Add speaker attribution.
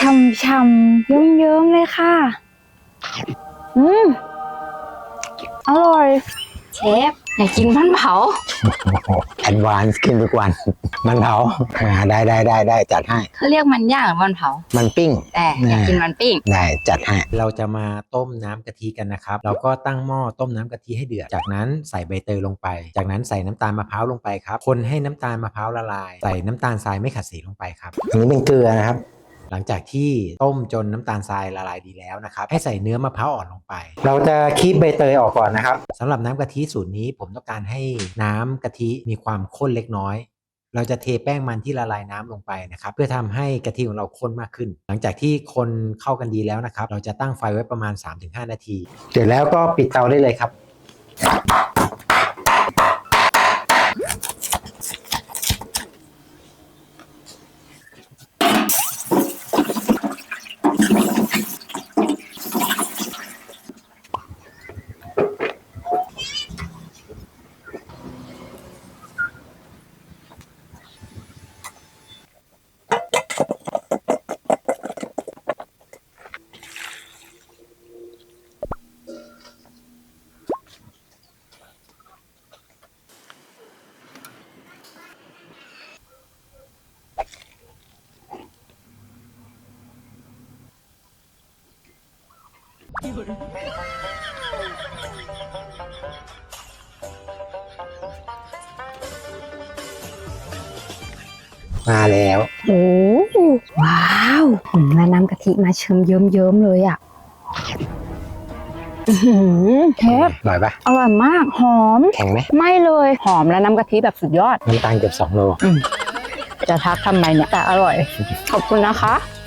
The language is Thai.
Speaker 1: ช่ำๆเยิ้มๆเลยค่ะอร่อยเชฟอยากกินมันเผา
Speaker 2: แอดวานซ์ขึ้นทุกวันมันเผาได้จัดให้
Speaker 1: เขาเรียกมันย่างหรือมันเผา
Speaker 2: มันปิ้ง
Speaker 1: แต่อยากกินมันปิ้ง
Speaker 2: ได้จัดให้
Speaker 3: เราจะมาต้มน้ำกะทิกันนะครับเราก็ตั้งหม้อต้มน้ำกะทิให้เดือดจากนั้นใส่ใบเตยลงไปจากนั้นใส่น้ำตาลมะพร้าวลงไปครับคนให้น้ำตาลมะพร้าวละลายใส่น้ำตาลทรายไม่ขัดสีลงไปครับ
Speaker 2: อันนี้เป็นเกลือนะครับ
Speaker 3: หลังจากที่ต้มจนน้ำตาลทรายละลายดีแล้วนะครับให้ใส่เนื้อมะพร้าวอ่อนลงไป
Speaker 2: เราจะคีบใบเตยออกก่อนนะครับ
Speaker 3: สำหรับน้ำกะทิสูตรนี้ผมต้องการให้น้ำกะทิมีความข้นเล็กน้อยเราจะเทแป้งมันที่ละลายน้ำลงไปนะครับเพื่อทำให้กะทิของเราข้นมากขึ้นหลังจากที่คนเข้ากันดีแล้วนะครับเราจะตั้งไฟไว้ประมาณ 3-5 นาที
Speaker 2: เสร็จแล้วก็ปิดเตาได้เลยครับมาแล้ว
Speaker 1: โอ้ว้าวแล้วน้ำกะทิมาเยิ้มเลยอ่ะเชฟ
Speaker 2: อร่อยปะ
Speaker 1: อร่อยมากหอม
Speaker 2: แข็งไหม
Speaker 1: ไม่เลยหอมและน้ำกะทิแบบสุดยอด
Speaker 2: น้ำตาลเกือบ2 โล
Speaker 1: จะทักทำไมเนี่ยแต่อร่อยขอบคุณนะคะ